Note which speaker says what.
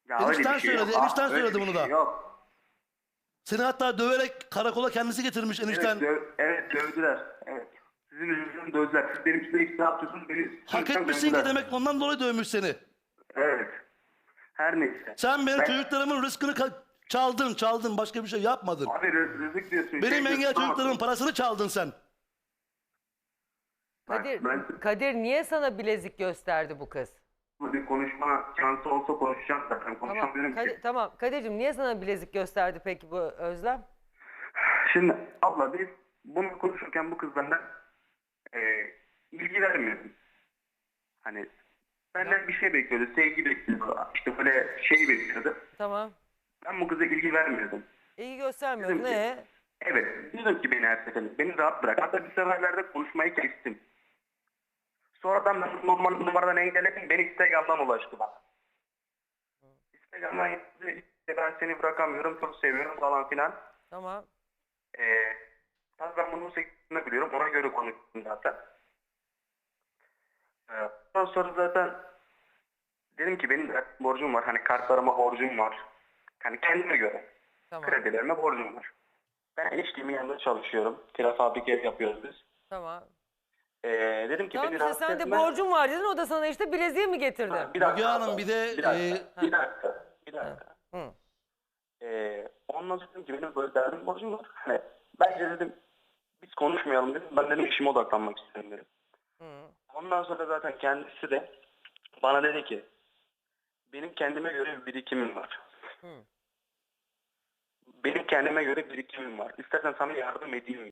Speaker 1: Ya öyle
Speaker 2: Enişten
Speaker 1: bir şey
Speaker 2: söyledi.
Speaker 1: yok.
Speaker 2: Enişten
Speaker 1: Öyle
Speaker 2: söyledi
Speaker 1: bir
Speaker 2: bunu
Speaker 1: şey
Speaker 2: da.
Speaker 1: yok.
Speaker 2: Seni hatta döverek karakola kendisi getirmiş enişten.
Speaker 1: Evet dövdüler. Evet. Sizin yüzünüzden dövdüler. Siz benim üstüne iftira atıyorsunuz. Beni
Speaker 2: Hak
Speaker 1: yüzümden
Speaker 2: etmişsin ki
Speaker 1: dövdüler.
Speaker 2: demek ondan dolayı dövmüş seni.
Speaker 1: Evet. Her neyse.
Speaker 2: Sen benim
Speaker 1: Ben
Speaker 2: çocuklarımın rızkını çaldın. Başka bir şey yapmadın.
Speaker 1: abi rızık diyorsun, şey
Speaker 2: Benim engel
Speaker 1: diyorsun
Speaker 2: çocuklarımın
Speaker 1: ama
Speaker 2: parasını çaldın sen.
Speaker 3: Kadir,
Speaker 1: ben
Speaker 3: Kadir niye sana bilezik gösterdi bu kız?
Speaker 1: bu bir konuşma şansı olsa konuşacağım zaten.
Speaker 3: Tamam,
Speaker 1: Konuşamıyorum ki.
Speaker 3: Tamam. Kadir'cim niye sana bilezik gösterdi peki bu Özlem?
Speaker 1: Şimdi abla biz bunu konuşurken bu kız benden e, ilgi vermiyordu. Hani benden bir şey bekliyordu. Sevgi bekliyordu. İşte böyle şey bekliyordu.
Speaker 3: Tamam.
Speaker 1: Ben bu kıza ilgi vermiyordum.
Speaker 3: İyi göstermiyor.
Speaker 1: Dedim ki,
Speaker 3: Ne?
Speaker 1: evet. Dedim ki beni her seferinde. Beni rahat bırak. Hatta bir seferlerde konuşmayı kestim. Sonradan ben normal numaradan engelledim. Beni Instagram'dan ulaştı bana. Instagram'dan yazdı. İşte ben seni bırakamıyorum. Çok seviyorum falan filan.
Speaker 3: Tamam.
Speaker 1: Tabii ben bunun sektiğini biliyorum. Ona göre konuştum zaten. Ondan sonra zaten dedim ki benim de borcum var. Hani kartlarıma borcum var. Hani kendime göre.
Speaker 3: Tamam.
Speaker 1: Kredilerime borcum var. Ben eniştemin yanında çalışıyorum. Kira fabrika ev yapıyoruz biz.
Speaker 3: Tamam.
Speaker 1: Dedim ki
Speaker 3: Tamam
Speaker 1: beni
Speaker 3: işte
Speaker 1: rahatsız
Speaker 3: sen de
Speaker 1: etme.
Speaker 3: borcun var dedin. O da sana işte bileziği mi getirdi?
Speaker 1: Bir
Speaker 2: Müge
Speaker 1: dakika.
Speaker 2: Hanım bir de
Speaker 1: Bir dakika. Bir dakika.
Speaker 3: Hı.
Speaker 1: Ondan sonra dedim ki benim böyle derdim borcum var. Hani bence dedim biz konuşmayalım dedim. Ben dedim işime odaklanmak istiyorum dedim.
Speaker 3: Hı.
Speaker 1: Ondan sonra zaten kendisi de bana dedi ki benim kendime göre bir birikimim var.
Speaker 3: Hı.
Speaker 1: Benim kendime göre birikimim var. İstersen sana yardım edeyim.